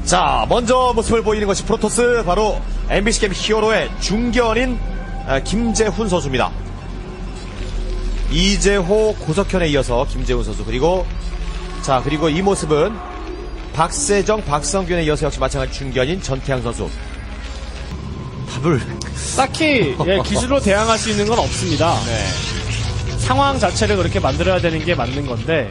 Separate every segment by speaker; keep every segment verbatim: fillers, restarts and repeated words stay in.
Speaker 1: 자, 먼저 모습을 보이는 것이 프로토스, 바로 엠비씨 게임 히어로의 중견인 김재훈 선수입니다. 이재호, 고석현에 이어서 김재훈 선수, 그리고 자 그리고 이 모습은 박세정, 박성균에 이어서 역시 마찬가지 중견인 전태양 선수. 답을
Speaker 2: 딱히 예, 기술로 대항할 수 있는 건 없습니다.
Speaker 1: 네.
Speaker 2: 상황 자체를 그렇게 만들어야 되는 게 맞는 건데,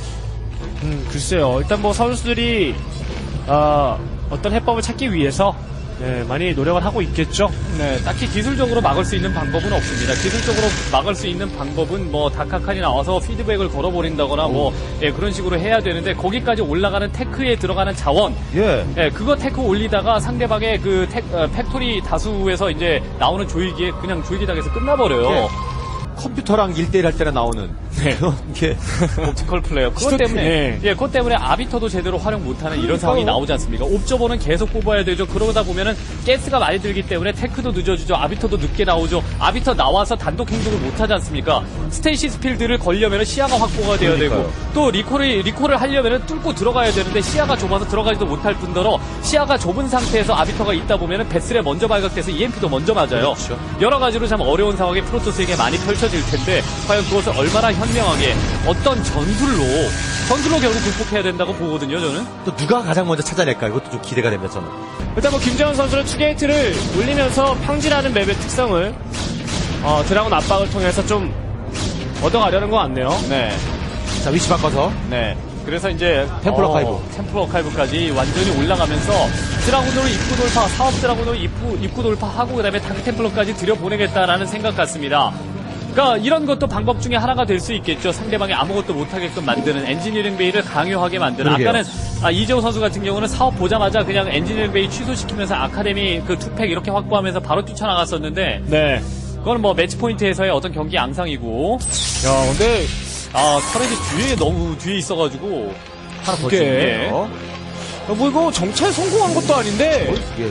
Speaker 2: 음, 글쎄요. 일단 뭐 선수들이 어, 어떤 해법을 찾기 위해서 네, 많이 노력을 하고 있겠죠.
Speaker 3: 네, 딱히 기술적으로 막을 수 있는 방법은 없습니다. 기술적으로 막을 수 있는 방법은 뭐 다카칸이 나와서 피드백을 걸어버린다거나 뭐 예, 그런 식으로 해야 되는데, 거기까지 올라가는 테크에 들어가는 자원,
Speaker 1: 예.
Speaker 3: 예, 그거 테크 올리다가 상대방의 그 테, 어, 팩토리 다수에서 이제 나오는 조이기에 그냥 조이기 당해서 끝나버려요.
Speaker 1: 예. 컴퓨터랑 일 대일 할 때나 나오는 그런 게
Speaker 3: 옵티컬 플레이어. 그것
Speaker 2: 스토-
Speaker 3: 때문에,
Speaker 2: 네.
Speaker 3: 예, 그것 때문에 아비터도 제대로 활용 못하는 이런 상황이 나오지 않습니까? 옵저버는 계속 뽑아야 되죠. 그러다 보면은 가스가 많이 들기 때문에 테크도 늦어지죠. 아비터도 늦게 나오죠. 아비터 나와서 단독 행동을 못하지 않습니까? 스테이시스 필드를 걸려면은 시야가 확보가 돼야
Speaker 1: 그러니까요.
Speaker 3: 되고, 또 리콜을, 리콜을 하려면은 뚫고 들어가야 되는데 시야가 좁아서 들어가지도 못할 뿐더러 시야가 좁은 상태에서 아비터가 있다 보면은 베슬에 먼저 발각돼서 이엠피도 먼저 맞아요.
Speaker 1: 그렇죠.
Speaker 3: 여러 가지로 참 어려운 상황이 프로토스에게 많이 펼쳐질 텐데, 과연 그것을 얼마나 현명하게 어떤 전술로 전술로 결국 극복해야 된다고 보거든요. 저는.
Speaker 1: 또 누가 가장 먼저 찾아낼까, 이것도 좀 기대가 됩니다. 저는.
Speaker 2: 일단 뭐 김재원 선수는 투게이트를 올리면서 평지라는 맵의 특성을 어, 드라곤 압박을 통해서 좀 얻어가려는 것 같네요.
Speaker 3: 네,
Speaker 1: 자, 위치 바꿔서
Speaker 3: 네. 그래서 이제
Speaker 1: 템플
Speaker 3: 어,
Speaker 1: 어카이브.
Speaker 3: 템플 어카이브까지 완전히 올라가면서 드라군으로 입구 돌파, 사업 드라군으로 입구 입구 돌파하고 그다음에 다크 템플러까지 들여보내겠다라는 생각 같습니다. 그러니까 이런 것도 방법 중에 하나가 될 수 있겠죠. 상대방이 아무것도 못하게끔 만드는 엔지니어링 베이를 강요하게 만드는.
Speaker 1: 그러게요.
Speaker 3: 아까는 아, 이재호 선수 같은 경우는 사업 보자마자 그냥 엔지니어링 베이 취소시키면서 아카데미 그 투팩 이렇게 확보하면서 바로 뛰쳐나갔었는데,
Speaker 2: 네.
Speaker 3: 그거는 뭐 매치 포인트에서의 어떤 경기 양상이고.
Speaker 2: 야, 근데
Speaker 3: 아, 터렛이 뒤에 너무 뒤에 있어가지고
Speaker 1: 하나 더
Speaker 2: 그게-
Speaker 1: 찍네요.
Speaker 2: 뭐 이거 정찰 성공한 것도 아닌데
Speaker 1: 예.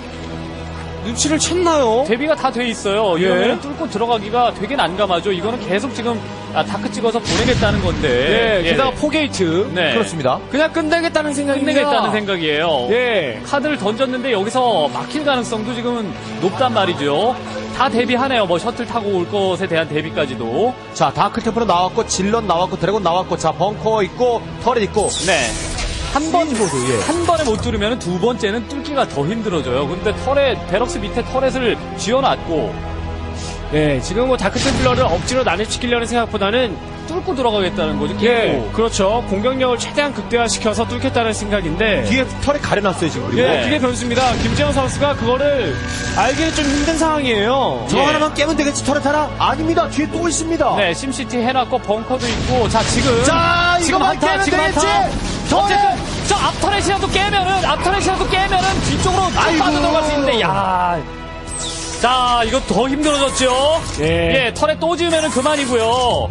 Speaker 2: 눈치를 챘나요?
Speaker 3: 대비가 다 돼 있어요.
Speaker 2: 예.
Speaker 3: 이러면 뚫고 들어가기가 되게 난감하죠. 이거는 계속 지금 아, 다크 찍어서 보내겠다는 건데.
Speaker 2: 네.
Speaker 3: 예.
Speaker 2: 게다가 포게이트.
Speaker 3: 네.
Speaker 1: 그렇습니다.
Speaker 2: 그냥 끝내겠다는 생각입니다.
Speaker 3: 끝내겠다는 생각이에요.
Speaker 2: 예.
Speaker 3: 카드를 던졌는데 여기서 막힐 가능성도 지금은 높단 말이죠. 다 대비하네요. 뭐 셔틀 타고 올 것에 대한 대비까지도.
Speaker 1: 자, 다크 템플러 나왔고, 질런 나왔고, 드래곤 나왔고, 자, 벙커 있고, 터렛 있고.
Speaker 3: 네. 한 번,
Speaker 1: 모드, 예.
Speaker 3: 한 번에 못 뚫으면 두 번째는 뚫기가 더 힘들어져요. 근데 터렛, 베럭스 밑에 터렛을 쥐어놨고,
Speaker 2: 네, 지금 뭐 다크템플러를 억지로 난입시키려는 생각보다는
Speaker 3: 뚫고 들어가겠다는 거죠.
Speaker 2: 예,
Speaker 3: 계속.
Speaker 2: 그렇죠. 공격력을 최대한 극대화시켜서 뚫겠다는 생각인데
Speaker 1: 뒤에 털에 가려놨어요, 지금. 그리고.
Speaker 2: 예,
Speaker 3: 네.
Speaker 2: 그게 변수입니다. 김재영 선수가 그거를 알기는 좀 힘든 상황이에요.
Speaker 1: 저
Speaker 3: 예.
Speaker 1: 하나만 깨면 되겠지, 털에 하나? 아닙니다. 뒤에 또 있습니다.
Speaker 3: 네, 심시티 해놨고 벙커도 있고. 자, 지금
Speaker 1: 자,
Speaker 3: 지금
Speaker 1: 이거만
Speaker 3: 한타,
Speaker 1: 깨면
Speaker 3: 지금
Speaker 1: 되겠지.
Speaker 3: 한타.
Speaker 1: 더
Speaker 3: 어쨌든
Speaker 1: 해.
Speaker 3: 저 앞터렛이라도 깨면은 앞터렛이라도 깨면은 뒤쪽으로 쭉
Speaker 1: 아이고.
Speaker 3: 빠져들어갈 수 있는데, 야. 자, 이거 더 힘들어졌죠.
Speaker 2: 예.
Speaker 3: 예, 터렛 또 지으면은 그만이고요.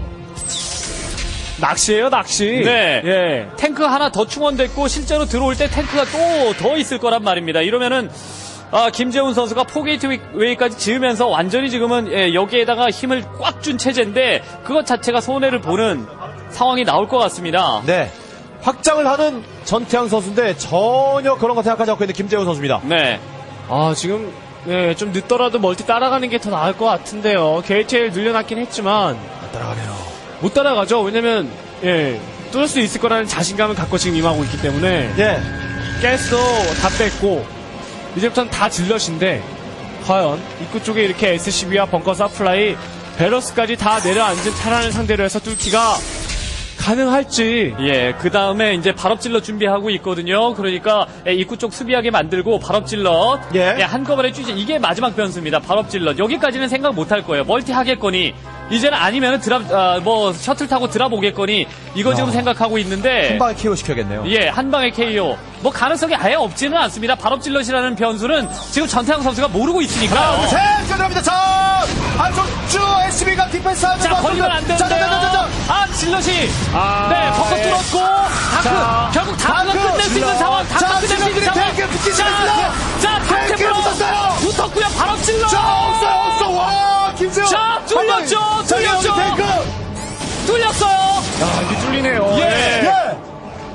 Speaker 2: 낚시예요, 낚시.
Speaker 3: 네.
Speaker 2: 예.
Speaker 3: 탱크 하나 더 충원됐고 실제로 들어올 때 탱크가 또 더 있을 거란 말입니다. 이러면은 아, 김재훈 선수가 포게이트 웨이까지 지으면서 완전히 지금은 예, 여기에다가 힘을 꽉 준 체제인데 그것 자체가 손해를 보는 상황이 나올 것 같습니다.
Speaker 1: 네. 확장을 하는 전태양 선수인데 전혀 그런 거 생각하지 않고 있는 김재훈 선수입니다.
Speaker 3: 네.
Speaker 2: 아, 지금 네, 좀 늦더라도 멀티 따라가는 게 더 나을 것 같은데요. 게이트를 늘려놨긴 했지만
Speaker 1: 따라가네요.
Speaker 2: 못 따라가죠. 왜냐면 예, 뚫을 수 있을 거라는 자신감을 갖고 지금 임하고 있기 때문에
Speaker 1: 예.
Speaker 2: 가스도 다 뺐고 이제부터는 다 질럿인데 과연 입구 쪽에 이렇게 에스씨비와 벙커 서플라이 베러스까지 다 내려앉은 테란을 상대로 해서 뚫기가 가능할지.
Speaker 3: 예, 그 다음에 이제 발업질럿 준비하고 있거든요. 그러니까 예, 입구 쪽 수비하게 만들고 발업질럿
Speaker 1: 예.
Speaker 3: 예, 한꺼번에 쥐지. 이게 마지막 변수입니다. 발업질럿 여기까지는 생각 못 할 거예요. 멀티 하겠거니 이제는 아니면은 드랍 아, 뭐 셔틀 타고 드랍 오겠거니 이거 지금
Speaker 1: 야.
Speaker 3: 생각하고 있는데
Speaker 1: 한 방에 케어 시켜야겠네요.
Speaker 3: 예, 한 방에 케이오. 뭐 가능성이 아예 없지는 않습니다. 발업질럿이라는 변수는 지금 전태양 선수가 모르고 있으니까요.
Speaker 1: 셋! 들어갑니다. 자! 한쪽 쭉 에스비가 디펜스 하는
Speaker 3: 자, 걸리면 안
Speaker 1: 자, 자, 자, 자,
Speaker 3: 되는데요.
Speaker 1: 자.
Speaker 3: 아, 질럿이.
Speaker 2: 아,
Speaker 3: 네, 벙커
Speaker 2: 예.
Speaker 3: 뚫었고, 다크.
Speaker 2: 자,
Speaker 3: 결국 다크가
Speaker 1: 다크,
Speaker 3: 끝낼 수 있는
Speaker 1: 질럿.
Speaker 3: 상황.
Speaker 1: 자,
Speaker 3: 다크 끝낼 수 있는
Speaker 1: 지금
Speaker 3: 상황.
Speaker 1: 탱크 붙이지
Speaker 3: 자,
Speaker 1: 않습니다.
Speaker 3: 자,
Speaker 1: 탱크
Speaker 3: 탱크로
Speaker 1: 붙었어요.
Speaker 3: 붙었고요. 발업질럿.
Speaker 1: 자, 없어, 없어. 와, 김재훈.
Speaker 3: 자, 뚫렸죠,
Speaker 1: 한 방에. 자,
Speaker 3: 뚫렸죠.
Speaker 1: 여기 탱크.
Speaker 3: 뚫렸어요.
Speaker 2: 아, 이게 뚫리네요.
Speaker 3: 예.
Speaker 1: 예.
Speaker 3: 자,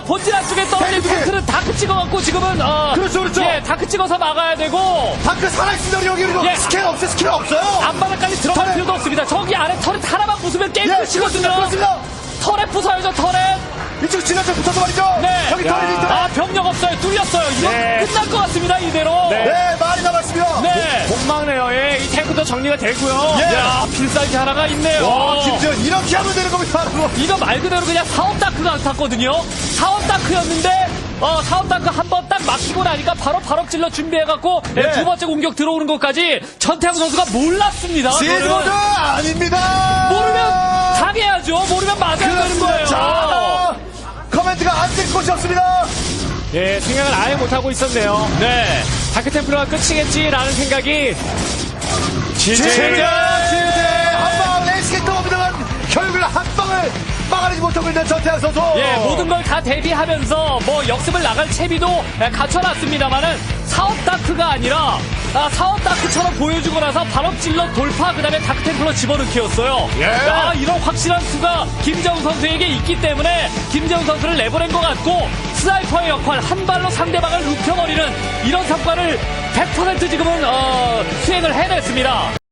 Speaker 3: 본진 안쪽에 떨어진
Speaker 1: 탱크!
Speaker 3: 탱크는 다크 찍어갖고 지금은 어,
Speaker 1: 그렇죠, 그렇죠.
Speaker 3: 예, 다크 찍어서 막아야 되고
Speaker 1: 다크 살아있습니다. 여기 그리고
Speaker 3: 예.
Speaker 1: 스킬 없어요. 스킬 없어요.
Speaker 3: 앞바닥까지 들어갈
Speaker 1: 터렛!
Speaker 3: 필요도 없습니다. 저기 아래 터렛 하나만 부수면 게임
Speaker 1: 예,
Speaker 3: 끝이거든요.
Speaker 1: 그렇습니다.
Speaker 3: 터렛 부숴야죠, 터렛.
Speaker 1: 이쪽 지나쳐 붙어서 말이죠.
Speaker 3: 네.
Speaker 1: 여기
Speaker 2: 야.
Speaker 1: 터렛이 있다.
Speaker 3: 아, 병력 없어요. 뚫렸어요. 이거
Speaker 2: 네.
Speaker 3: 끝날 것 같습니다, 이대로.
Speaker 2: 네.
Speaker 1: 네, 많이 남았습니다.
Speaker 3: 네.
Speaker 2: 공망레어에 이 탱크도 정리가 되고요.
Speaker 1: 예.
Speaker 3: 야, 필살기 하나가 있네요.
Speaker 1: 와, 김지현 이렇게 하면 되는 겁니다. 바로.
Speaker 3: 이거 말 그대로 그냥 사업 다크가 같았거든요. 사업 다크였는데, 어, 사업 다크 한 번 딱 막히고 나니까 바로 바로 찔러 준비해갖고, 네,
Speaker 1: 네.
Speaker 3: 두 번째 공격 들어오는 것까지 전태양 선수가 몰랐습니다.
Speaker 1: 시즈모드
Speaker 3: 그거는.
Speaker 1: 아닙니다.
Speaker 3: 모르면 당해야죠. 모르면 맞아야 되는
Speaker 1: 그렇습니다.
Speaker 3: 거예요.
Speaker 1: 자, 커멘트가 안 될 곳이 없습니다.
Speaker 2: 예, 생각을 아예 못하고 있었네요.
Speaker 3: 네.
Speaker 2: 다크템플러가 끝이겠지라는 생각이
Speaker 1: 지제, 지제, 한방 레이스게 떠옵니다만 결국은 한 방을 막아내지 못하고 있는 전태양 선수.
Speaker 3: 예, 모든 걸 다 대비하면서 뭐 역습을 나갈 채비도 예, 갖춰놨습니다만은 사업 다크가 아니라 아, 사업 다크처럼 보여주고 나서 바로 찔러 돌파 그다음에 다크템플러 집어넣기였어요.
Speaker 1: 예.
Speaker 3: 야, 이런 확실한 수가 김재훈 선수에게 있기 때문에 김재훈 선수를 내보낸 것 같고 스나이퍼의 역할 한 발로 상대방을 눕혀버리는 이런 성과를 백 퍼센트 지금은 어, 수행을 해냈습니다.